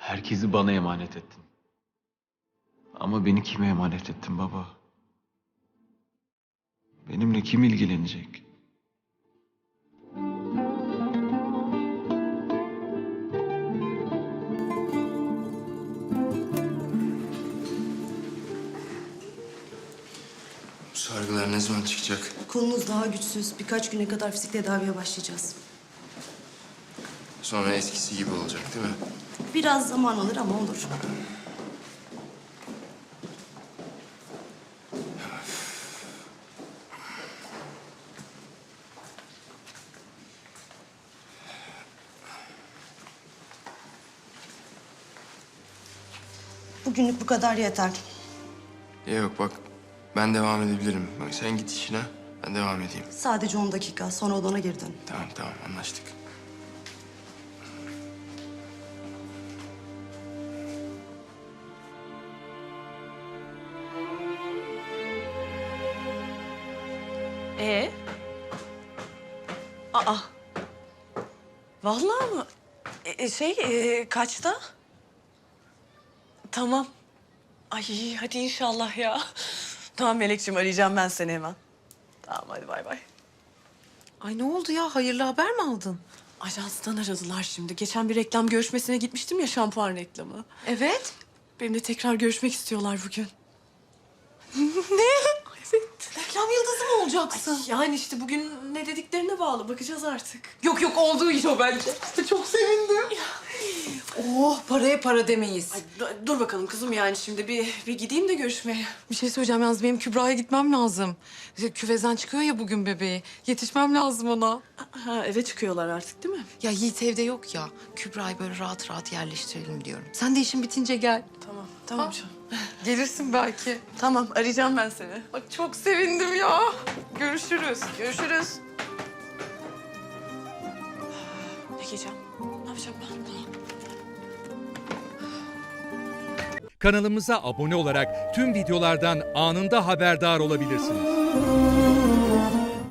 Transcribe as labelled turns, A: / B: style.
A: Herkesi bana emanet ettin. Ama beni kime emanet ettin baba? Benimle kim ilgilenecek?
B: Bu sargılar ne zaman çıkacak?
C: Kolunuz daha güçsüz. Birkaç güne kadar fizik tedaviye başlayacağız.
B: Sonra eskisi gibi olacak değil mi?
C: Biraz zaman alır ama olur. Bugünlük bu kadar yeter.
B: Yok bak, ben devam edebilirim. Bak sen git işine, ben devam edeyim.
C: Sadece 10 dakika. Sonra odana geri dön.
B: Tamam anlaştık.
D: Ee? Aa. Vallahi mı? Kaçta? Tamam. Ay hadi inşallah ya. Tamam Melekciğim, arayacağım ben seni hemen. Tamam hadi bay bay.
E: Ay ne oldu ya? Hayırlı haber mi aldın?
D: Ajanstan aradılar şimdi. Geçen bir reklam görüşmesine gitmiştim ya, şampuan reklamı.
E: Evet.
D: Benimle tekrar görüşmek istiyorlar bugün.
E: Ne?
D: Evet.
E: Reklam yıldızı mı olacaksın?
D: Yani işte bugün ne dediklerine bağlı. Bakacağız artık.
E: Yok olduğu iş o bence. Çok sevindim. Oh, paraya para demeyiz.
D: Ay, dur bakalım kızım, yani şimdi bir gideyim de görüşmeye.
E: Bir şey söyleyeceğim yalnız, benim Kübra'ya gitmem lazım. Küvezden çıkıyor ya bugün bebeği. Yetişmem lazım ona.
D: Ha, eve çıkıyorlar artık değil mi?
E: Ya Yiğit evde yok ya. Kübra'yı böyle rahat rahat yerleştirelim diyorum. Sen de işin bitince gel.
D: Tamam
E: Ha?
D: canım.
E: Gelirsin belki.
D: Tamam, arayacağım ben seni.
E: Bak çok sevindim ya. Görüşürüz.
D: Görüşürüz. Ne giyeceğim? Ne yapacağım ben? Tamam.
F: Kanalımıza abone olarak tüm videolardan anında haberdar olabilirsiniz.